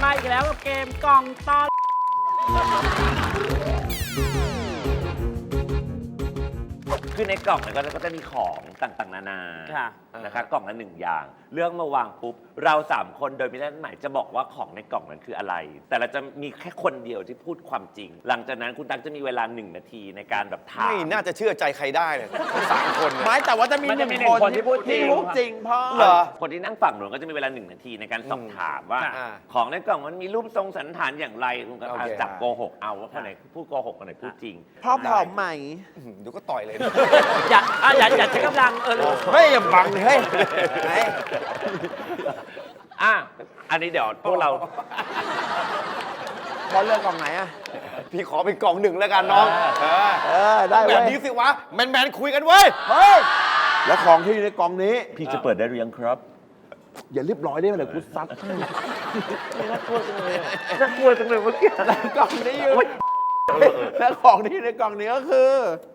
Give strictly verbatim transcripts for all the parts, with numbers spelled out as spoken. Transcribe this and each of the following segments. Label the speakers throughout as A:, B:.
A: มาอีกแล้วกับเกมกล่องตอน
B: คือในกล่องเนี่ยก็จะมีของต่างๆนานานะคะกล่องละหนึ่งอย่างเรื่องมาวางปุ๊บเราสามคนโดยไม่ได้หมายจะบอกว่าของในกล่องนั้นคืออะไร แต่เราจะมีแค่คนเดียวที่พูดความจริง หลังจากนั้นคุณตั๊กจะมีเวลาหนึ่งนาทีในการแบบถาม
C: ไม่น่าจะเชื่อใจใครได้เนี่ยทั้งสามคน
D: ไม่แต่ว่าจะมีหนึ่งคนที่พูดจริงพูดจริงพ่อ
C: เหรอ
B: คนที่นั่งฝั่งหนูก็จะมีเวลาหนึ่งนาทีในการสอบถามว่าของในกล่องมันมีรูปทรงสันฐานอย่างไรคุณก็จับโกหกเอาว่าคนไหนพูดโกหกคนไหนพูดจริง
D: พ่อผอมไหม
C: ดูก็ต่อยเลย
A: อย่าอย่าอย่าใช้กำลังเออ
C: ไม่อย่าบังเฮ้ยไหน
B: อ่ะอันนี้เดี๋ยวพวกเรา
D: พอเลือกกล่องไหนอ่ะ
C: พี่ขอเป็นกล่องหนึ่งแล้วกันน้อง
D: เออได้
C: แบบนี้สิวะแมนๆคุยกันเว้ย
D: เฮ้ยแล้วของที่อยู่ในกล่องนี้
B: พี่จะเปิดได้หรือยังครับ
D: อย่าเรียบร้อยได้ไหมเลยกูซัด
B: น่ากลัวจังเลยน่ากลัวจังเลยเมื่อกี้
D: แล้วกล่องนี้อยู่แล้วของที่ในกล่องนี้ก็คือ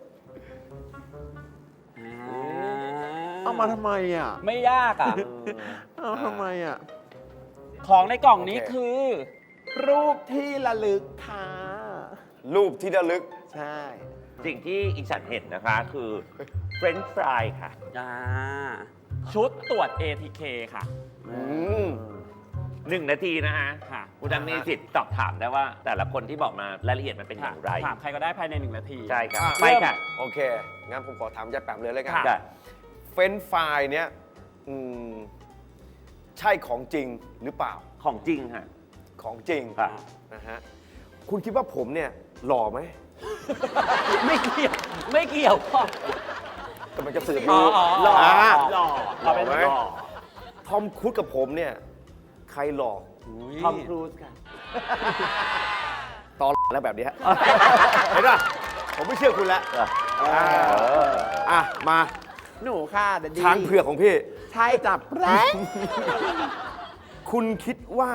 D: เอามาทำไมอ่ะ
A: ไม่ยากอ่ะ
D: เอาทำไมอ่ะ
A: ของในกล่องนี้คือ
D: รูปที่ระลึกค่ะ
C: รูปที่ระลึก
D: ใช่
B: สิ่งที่อีฉันเห็นนะคะคือเฟรนช์ฟรายค่ะ
A: ชุดตรวจ เอ ที เค ค่ะ
B: หนึ่งนาทีนะฮะคุณดังมีสิทธิ์ตอบถามได้ว่าแต่ละคนที่บอกมารายละเอียดมันเป็นอย่างไร
A: ถามใครก็ได้ภายในหนึ่งนาที
B: ใช่ครับไปค่ะ
C: โอเคงั้นผมขอถามยายแปมเลยเลยกันเฟรนช์ฟรายเนี้ยใช่ของจริงหรือเปล่า
B: ของจริงค่ะ
C: ของจริงนะฮะคุณคิดว่าผมเนี่ยหล่อไหม
A: ไม่เกี่ยวไม่เกี่ยวพ่
C: อกำลังจะสื่อรู้
A: หล่อหล่อเราเป็นหล่อ
C: ทอมครูซกับผมเนี่ยใครหล่อ
A: ทอมครูซค่ะ
C: ตอนแล้วแบบนี้เห็นป่ะผมไม่เชื่อคุณแล้วอ่ะมา
D: หนูค่ะเดดดี้
C: ช้างเผือกของพี่
D: ใช่จับแร้
C: คุณคิดว่า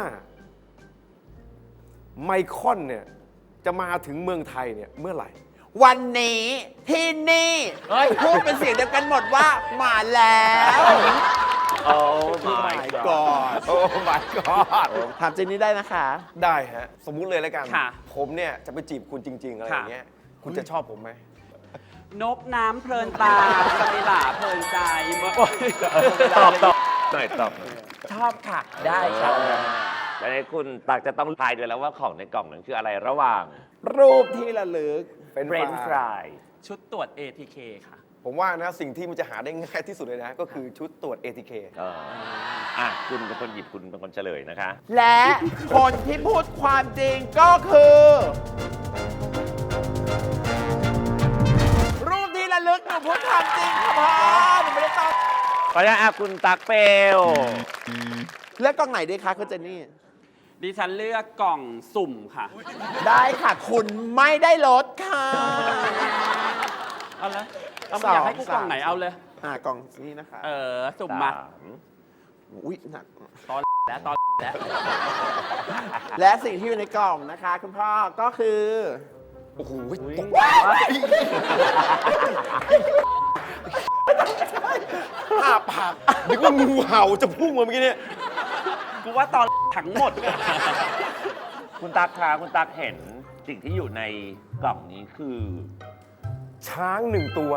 C: ไมคอนเนี่ยจะมาถึงเมืองไทยเนี่ยเมื่อไหร่
D: วันนี้ที่นี่พูดเป็นเสียงเดียวกันหมดว่ามาแล้ว
B: โอ้
D: my god
C: โอ้ my god
D: ถามจริงนี้ได้นะคะ
C: ได้ฮะสมมุติเลยแล้วกันผมเนี่ยจะไปจีบคุณจริงๆอะไรอย่างเงี้ยคุณจะชอบผมไหม
A: นกน้ำเพลินตาสมิลาเพลินใจ
B: ตอบตอบหน่อยตอบ
A: ชอบค่ะได้ครับ
B: แล้วคุณตักจะต้องทายด้วยแล้วว่าของในกล่องนั้นคืออะไรระหว่าง
D: รูปที่ระลึก
B: เป็นเฟรนช์ฟราย
A: ชุดตรวจ เอ ที เค ค่ะ
C: ผมว่านะสิ่งที่มันจะหาได้ง่ายที่สุดเลยนะก็คือชุดตรวจ เอ ที เค
B: อ่ะคุณเป็นคนหยิบคุณเป็นคนเฉลยนะคะ
D: และคนที่พูดความจริงก็คือรูปที่ระลึกหนูพูดความจริงค่ะพ่อหนูไม่ได้ตอบ
B: ขออนุญาตคุณตักเปล
D: เลือกกล่องไหนดีคะคุณเจนนี่
A: ดิฉันเลือกกล่องสุ่มค่ะ
D: ได้ค่ะคุณไม่ได้ลดค่ะ
A: เอาเลยเอาอยากให้กูกล่องไหนเอาเลย
D: อ่ากล่องนี้นะคะ
A: เออสุ่มมา
D: อุ้ยหนัก
A: ตอนแล้วตอนแล้ว
D: และสิ่งที่อยู่ในกล่องนะคะคุณพ่อก็คือ
C: โอ้โหตกอ้าปากนึกว่างูเห่าจะพุ่งมาเมื่อกี้เนี่ย
A: กูว่าตอนทั้งหมด
B: คุณตักคะคุณตักเห็นสิ่งที่อยู่ในกล่องนี้คือ
C: ช้างหนึ่งตัว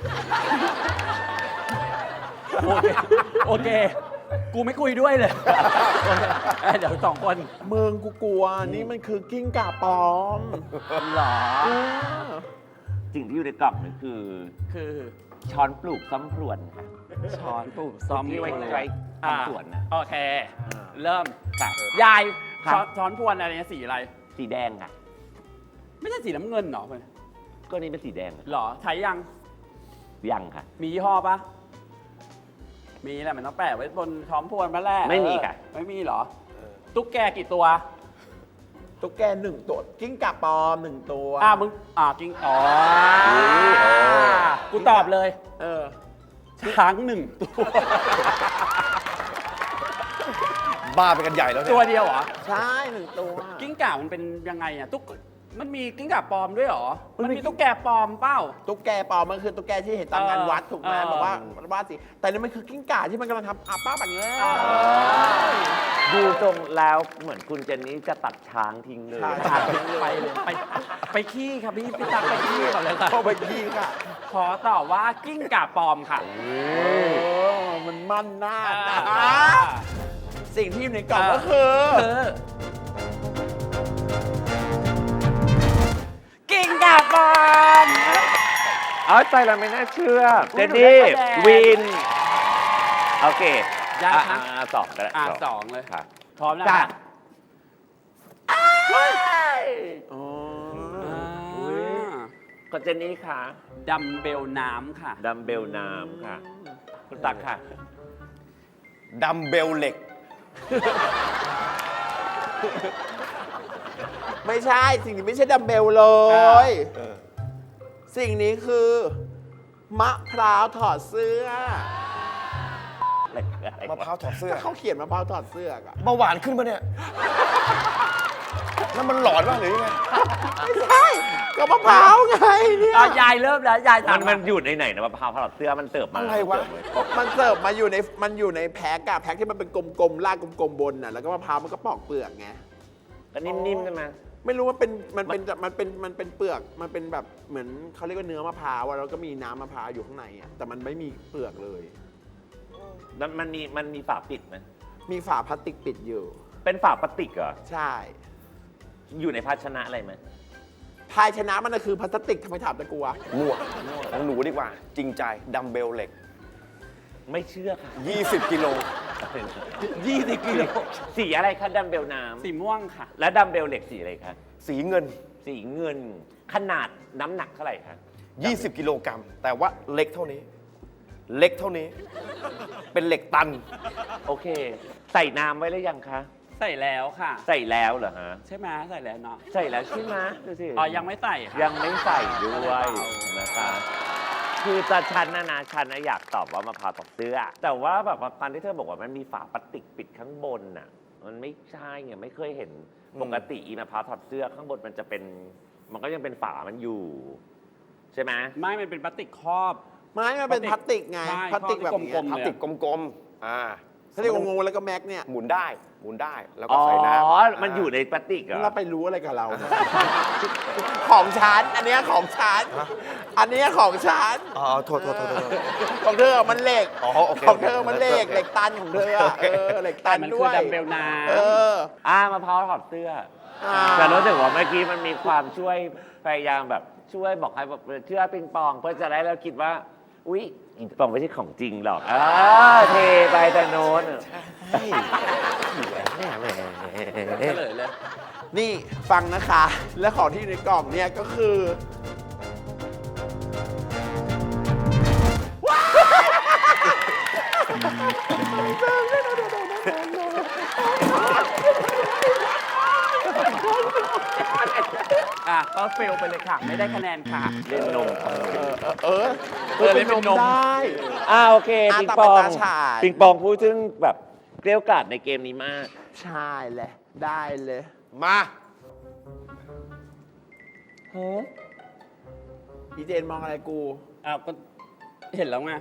A: โอเคโอเคกูไม่คุยด้วยเลยเดี๋ยวสองคน
D: เมืองกูกลัวนี่มันคือกิ้งก่าปลอม
A: หรอ
B: สิ่งที่อยู่ในกล่องนี่คือ
A: คือ
B: ช้อนปลูกซ้ำพรวนค่ะ
A: ช้อนปลูกซ้ำ
B: ที่ไว้ใช้ทำสวนนะ
A: โอเคเริ่มยายช้อนพรวนอะไรเนี่ยสีอะไร
B: สีแดงค่ะ
A: ไม่ใช่สีน้ำเงินหรอเพื่อน
B: ก็นี่เป็นสีแดง
A: หรอใช้ยัง
B: ยังค่ะ
A: มียี่ห้อปะมีแหละมันต้องแปะไว้บนช้อนพรวนมาแรก
B: ไม่มีค่ะ
A: ไม่มีหรอตุ๊กแกกี่ตัว
D: ตุ๊กแกหนึ่งตัวกิ้งก่าปลอมหนึ่งตัว
A: อ่ามึงอ่ากิ้งอ๋อกูตอบเลย
D: เออ
A: ช้างหนึ่งตัว
C: บ้าไปกันใหญ่แล้วเนี่ย
A: ตัวเดียวเหรอ
D: ใช่หนึ่งตัว
A: กิ้งก่ามันเป็นยังไงอ่ะตุ๊กมันมีกิ้งก่าปลอมด้วยเหรอมันมีตุ๊กแกปลอมเปล่า
D: ตุ๊กแกปลอมมันคือตุ๊กแกที่เห็นตามงานวัดถูกไหมบอกว่าว่าสิแต่นี่มันคือกิ้งก่าที่มันกำลังทำอาป้าแบบนี้
B: ดูตรงแล้วเหมือนคุณเจนนี่จะตัดช้างทิ้งเลย
A: ขาดไปเลยไปไปขี้ครับพี่พี่ตักไปขี้ก่อนเลยค่ะ
D: เข้าไปยิงค่ะ
A: ขอตอบว่ากิ้งก่าปลอมค่ะ
D: เออมันมั่นหน้านะ
A: อ่า
D: สิ่งที่อยู่ในกล่องก็คือ
A: คือกิ้งก่าปลอม
B: เอาใจเราไม่น่าเชื่อ เจนนี่
A: หนูได้คะแนน
B: วิน โอเค
A: ยาก
B: อ่ะ
A: ครับ
B: อ่ะสองก็ได้
A: อ่าสองเลย
B: ค่ะ
A: พร้อมแล้ว
B: จ้ะ
A: ค่ะ
D: อ๋อ
A: อ่า
B: ก็เจนนี่ค่ะ
A: ดัมเบลน้ำค่ะ
B: ดัมเบลน้ำค่ะ คุณตักค่ะ
C: ดัมเบลเหล็ก
D: ไม่ใช่ สิ่งนี้ไม่ใช่ดัมเบลเลย
C: เออ
D: สิ่งนี้คือ มะพร้าวถอดเสื้อ
C: มะพร้าวถอดเสื้อ
D: เขาเขียนมะพร้าวถอดเสื้ออะ
C: เบาหวานขึ้นปะเนี่ยนั่นมันหลอนป่ะหรือยังไง
D: ไม่ใช่ก็มะพร้าวไงเนี่ย
A: อ่ะยายเริ่มแล้ว ยาย
B: มั
A: ถาม
B: นมันอยู่ในไหนนะมะพร้าวถอดเสื้อมันเติบมา
C: อะไรวะ
D: มันเสิร์ฟมาอยู่ในมันอยู่ในแพ็กอะแพ็กที่มันเป็นกลมๆลากกลมๆบนน่ะแล้วก็มะพร้าวมันก็ปอกเปลือกไง
B: ก็นิ่มๆใช่ไหม
D: ไม่รู้ว่าเป็นมันเป็นมันเป็นมันเป็นเปลือกมันเป็นแบบเหมือนเขาเรียกว่าเนื้อมะพร้าวอะแล้วก็มีน้ำมะพร้าวอยู่ข้างในอะแต่มันไม่มีเปลือกเลย
B: มันมันมีมันมีฝาปิดไหม
D: มีฝาพลาสติกปิดอยู่
B: เป็นฝาพลาสติกเหรอ
D: ใช่
B: อยู่ในภาชนะอะไรไหม
D: ภายชนะมันน่ะคือพลาสติกทำไมถามตะกัว
C: มั่วของหนูดีกว่า จริงใจ ดัมเบลเหล็ก
B: ไม่เชื่อค่ะ
C: ยี่สิบกิโล
B: ยี่สิบกิโลสีอะไรคะดัมเบลน้ำ
A: สีม่วงค่ะ
B: และดัมเบลเหล็กสีอะไรคะ
C: สีเงิน
B: สีเงินขนาดน้ำหนักเท่าไหร่คะ
C: ยี่สิบกิโลกรัม แต่ว่าเล็กเท่านี้ เล็กเท่านี้ เป็นเหล็กตัน
B: โอเค ใส่น้ำไว้หรือยังคะ
A: ใส่แล้วค่ะ
B: ใส่แล้วเหรอฮะ
A: ใช่ไหมใส่แล้วเนาะ
B: ใส่แล้วใช่ไหมดูสิ
A: อ๋อยังไม่ใส่ค่ะ
B: ยังไม่ใส่ด้วยนะคะ คือตาชันนะนะชันนะอยากตอบว่ามะพร้าวตอกเสื้อ แต่ว่าแบบว่าการที่เธอบอกว่ามันมีฝาพลาสติกปิดข้างบนน่ะ มันไม่ใช่ไงไม่เคยเห็น
C: อืม
B: ปกติอีมะพร้าวถอดเสื้อข้างบนมันจะเป็น มันก็ยังเป็นฝามันอยู่ ใช่ไหม
A: ไม่ มันเป็นพลาสติกครอบ
D: ไม้มันเป็นพลาสติกไง
A: ใช่
D: พลาสติกแบบเนี้
A: กล
D: ย
A: มๆ
C: พลาสติกกลมๆ อ่า
D: พลาสติกงงๆแล้วก็แม็กเนี่ย
C: หมุนได้ หมุนได้ แล้วก็
B: อ๋อ
C: ใส่น้ำ
B: มันอยู่ในพลาสติกเหรอ
D: เราไปรู้อะไรกับเราเนี่ย ของฉันอันเนี้ยของฉันอันเนี้ยของฉัน
C: อ๋อ โทษโทษโทษโทษ
D: ของเธอมันเหล็ก
C: อ๋อโอเค
D: ของเธอมันเหล็ก
C: โอเค
D: เหล็กตันของเธออะเออเหล็ก
A: แต่
D: ตัน
A: มัน
D: ด้
A: คื
D: ว
A: อย ดัมเบลน้ำ
D: เออ
B: อ่ามะพร้าวถอดเสื้อ
D: อ่า
B: แต่รู้สึกว่าเมื่อกี้มันมีความช่วยพยายามแบบช่วยบอกให้แบบเชื่อปิงปองเพื่อจะได้เราคิดว่า อุ๊ยปิงปองไม่ใช่ของจริงหรอกอ่าเทไปแต่โน้น
A: เฉลยเลย
D: นี่ฟังนะคะ และของที่อยู่ในกล่องเนี่ยก็คือ
A: อ่ะ ก็เฟลไปเลยค่ะ ไม่ได้คะแนนค่ะ
B: เล่นนม
D: เออเออ
A: เออเป็นนม
D: ได้
B: อ่าโอเค
D: อ่ะ
B: ปิง
D: ต่อ
B: ป
D: ไป
B: อง
D: ตาฉาย
B: ปิงปองพูดถึงแบบเกลี้ยวกล่อมในเกมนี้มาก
D: ใช่เลยได้เลย
C: มา
D: อีเจนมองอะไรกู
A: อ้าว ก็เห็นแล้วไง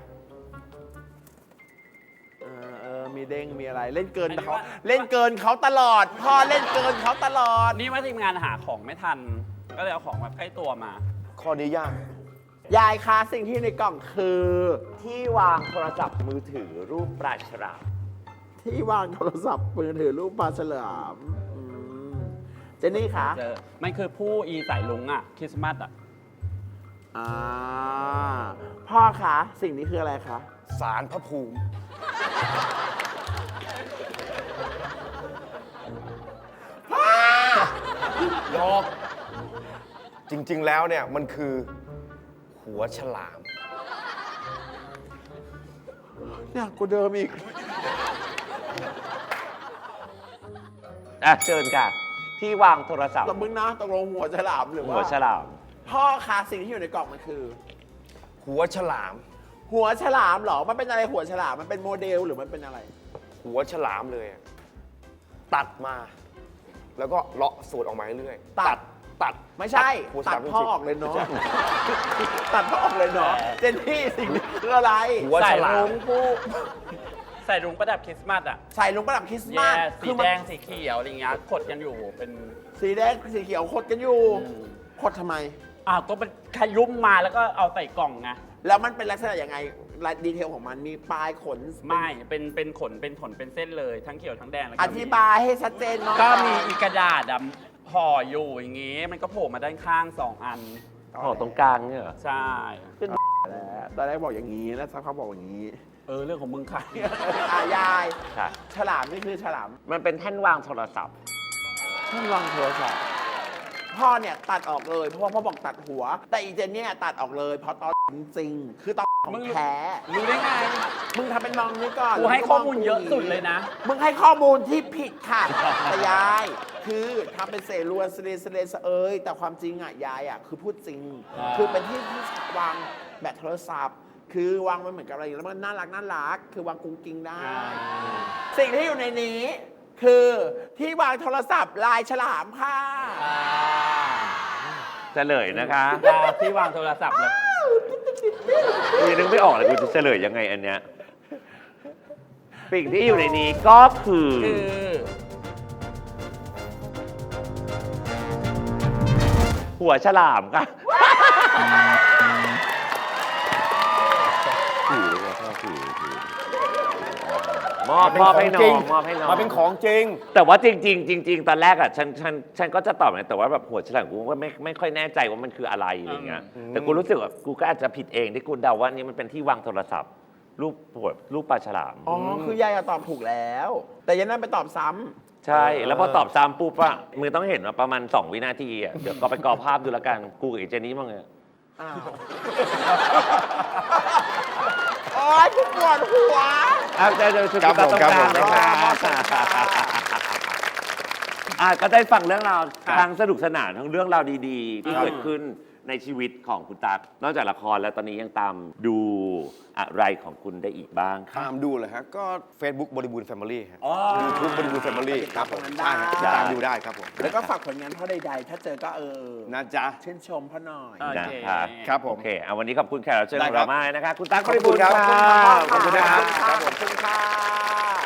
D: เออเออมีเด้งมีอะไรเล่นเกิน
A: อันนี้
D: เขา
A: ว่า
D: เล่นเกินเขาตลอด พ่อเล่นเกินเขาตลอด
A: นี่ว่าทีมงานหาของไม่ทัน ก็เลยเอาของแบบใกล้ตัวมา
C: ข้อนี้ยาก
D: ยายคะสิ่งที่อยู่ในกล่องคือ
B: ที่วางโทรศัพท์มือถือรูปปลาฉลาม
D: ที่วางโทรศัพท์มือถือรูปปลาฉลามอืมเจนนี่คะ
A: เจอมันคือผู้อีสายลุงอ่ะ คริสต์มาสอ่ะ
D: อ่าพ่อคะสิ่งนี้คืออะไรคะ
C: สารพระภูมิ หยอก จริง ๆ แล้วเนี่ย มันคือ หัวฉลาม
D: เนี่ยกูเดิมอีก
B: อ่ะเชิญค่ะ ที่วางโทรศัพท์
D: ตบมึงนะตกลงหัวฉลามหรือว่า
B: หัวฉลาม
D: พ่อคะสิ่งที่อยู่ในกล่องมันคือ
C: หัวฉลาม
D: หัวฉลามเหรอมันเป็นอะไรหัวฉลามมันเป็นโมเดลหรือมันเป็นอะไร
C: หัวฉลามเลยอะตัดมา แล้วก็เลาะสูตรออกมาเรื่อยๆ
D: ตัด
C: ตัด
D: ไม่ใช่
C: หัวฉ
D: ตั
C: ลา
D: ด
C: ม
D: พ่อ
C: จริงๆ
D: ออกเลยเนาะ
C: ใช่
D: ตัดพ่อออกเลยเนาะเจนนี่สิ่งนี้คืออะไร
C: หัวฉลาม
A: ใส่รุ้งผู้ใส่รุ้งประดับคริสต์มาสอ่ะ
D: ใส่ลงประดับคริสต์
A: แย่
D: มาส
A: สี
D: มั
A: แดงสีเขียวอะไรเงี้ยขดกันอยู่เป็น
D: สีแดงสีเขียวขดกันอยู่
A: อืม
D: ขดทำไม
A: อ้าวก็เป็นขยุ่มมาแล้วก็เอาใส่กล่องไง
D: แล้วมันเป็นลักษณะยังไงรายดีเทลของมันมีปลายขน
A: ไม่เป็นเป็นขนเป็นขนเป็นเส้นเลยทั้งเขียวทั้งแดงแล้ว
D: อ
A: ก็มี
D: ธิบายให้ชัดเจนหน่อย
A: ก็มีอีกกระดาษดำห่ออยู่อย่างงี้ มันก็โผล่มาด้านข้างสองอัน
B: ห่อตรงกลางเนี่ยเหรอ
A: ใช่
D: แล้วตอนแรกบอกอย่างนี้แล้วสักพักบอกอย่างนี้
A: เออเรื่องของมึงค่ะ
D: อายาย
B: ค่ะ
D: ฉลามนี่คือฉลาม
B: มันเป็นแท่นวางโทรศัพท์
D: ท่านวางโทรศัพท์พ่อเนี่ยตัดออกเลยเพราะว่าพ่อบอกตัดหัว แต่อีเจนเนี่ยตัดออกเลยเพราะตอนจริงๆคือตอนของ
A: มึง
D: แท้
A: รู้ได้ไง
D: มึงทำเป็นมองนี้ก่อน
A: กูให้ข้อมูลเยอะสุดเลยนะ
D: มึงให้ข้อมูลที่ผิดค่ะ แต่ยาย คือทำเป็นเสรวนเสเลเสเลเสเอยแต่ความจริงอ่ะยายอ่ะคือพูดจริง
A: อ่า
D: คือเป็นที่ที่วางแบตโทรศัพท์ คือวางมันเหมือนกับอะไรอย่างเงี้ยแล้วมันน่ารักน่ารักคือวางกุ้งกิ้งได้ สิ่งที่อยู่ในนี้ คือที่วางโทรศัพท์ลายฉลามค่ะ
A: อ่า
B: เฉลยนะคะ
A: ดาที่วางโทรศัพท์เลย
B: กูยังนึกไม่ออกเลยกูจะเฉลยยังไงอันเนี้ยสิ่งที่อยู่ในนี้ก็คือ
A: คือ
B: หัวฉลามค่ะถือเลยพ่อถือถือมอบมอบให้น้องมอบให้น้อง
C: มาเป็นของจริง
B: แต่ว่าจริงๆจริงๆตอนแรกอ่ะฉันฉันฉันก็จะตอบนะแต่ว่าแบบหัวฉลามกูก็ไม่ไม่ค่อยแน่ใจว่ามันคืออะไรอะไรเงี้ยแต่กูรู้สึกว่ากูก็อาจจะผิดเองที่กูเดาว่านี่มันเป็นที่วางโทรศัพท์ รูปหัวรูปปลาฉลาม
D: อ๋อ คือยายอะตอบถูกแล้ว แต่ยันนั่นไปตอบซ้ำ
B: ใช่ แล้วพอตอบซ้ำปุ๊บอะมือต้องเห็นว่าประมาณ สอง วินาทีอะเดี๋ยวก็ไปกรอภาพดูแล้วกัน กูกับไอ้เจนี่มั้งเนี่ย
D: อ้าว โอ๊ยกูปวดหัว
B: อ้าวเจอเจอชุด
C: ครับ
B: ตา
C: ผม
B: ต้อง
C: ครับ
B: การ
C: ผม
B: นะคะอ่ะก็ได้ฟังเรื่องราวทั้งสนุกสนานทั้งเรื่องราวดีๆ ที่เกิดขึ้นในชีวิตของคุณตั๊กนอกจากละครแล้วตอนนี้ยังตามดูอะไรของคุณได้อีกบ้างครับ
C: ตามดูเลยฮะ ก็ Facebook บริบูรณ์แฟมิลี่ฮะ
D: อ๋อ
C: ยูทูบบริบูรณ์แฟมิลี่ครับผม
D: ได้
C: ใช่ฮะตามดูได้ครับผม
D: แล้วก็ฝากผลงานพ่อใดๆ ถ้าเจอก็เออ
C: นะจ๊ะ
D: ชื่นชมพ่อหน่อย
A: โอ
B: นะ
A: เค
B: ครับ
C: ครับผม
B: โอเคเอาวันนี้ขอบคุณแขกรับเชิญ
C: ได้
B: ของ
C: ครั
B: เรา
C: บ
B: มากนะคะคุณตั๊ก
C: ขอบคุณครับ
B: บริบูรณ์
C: ขอบคุณครับ
D: ขอบคุณค่ะ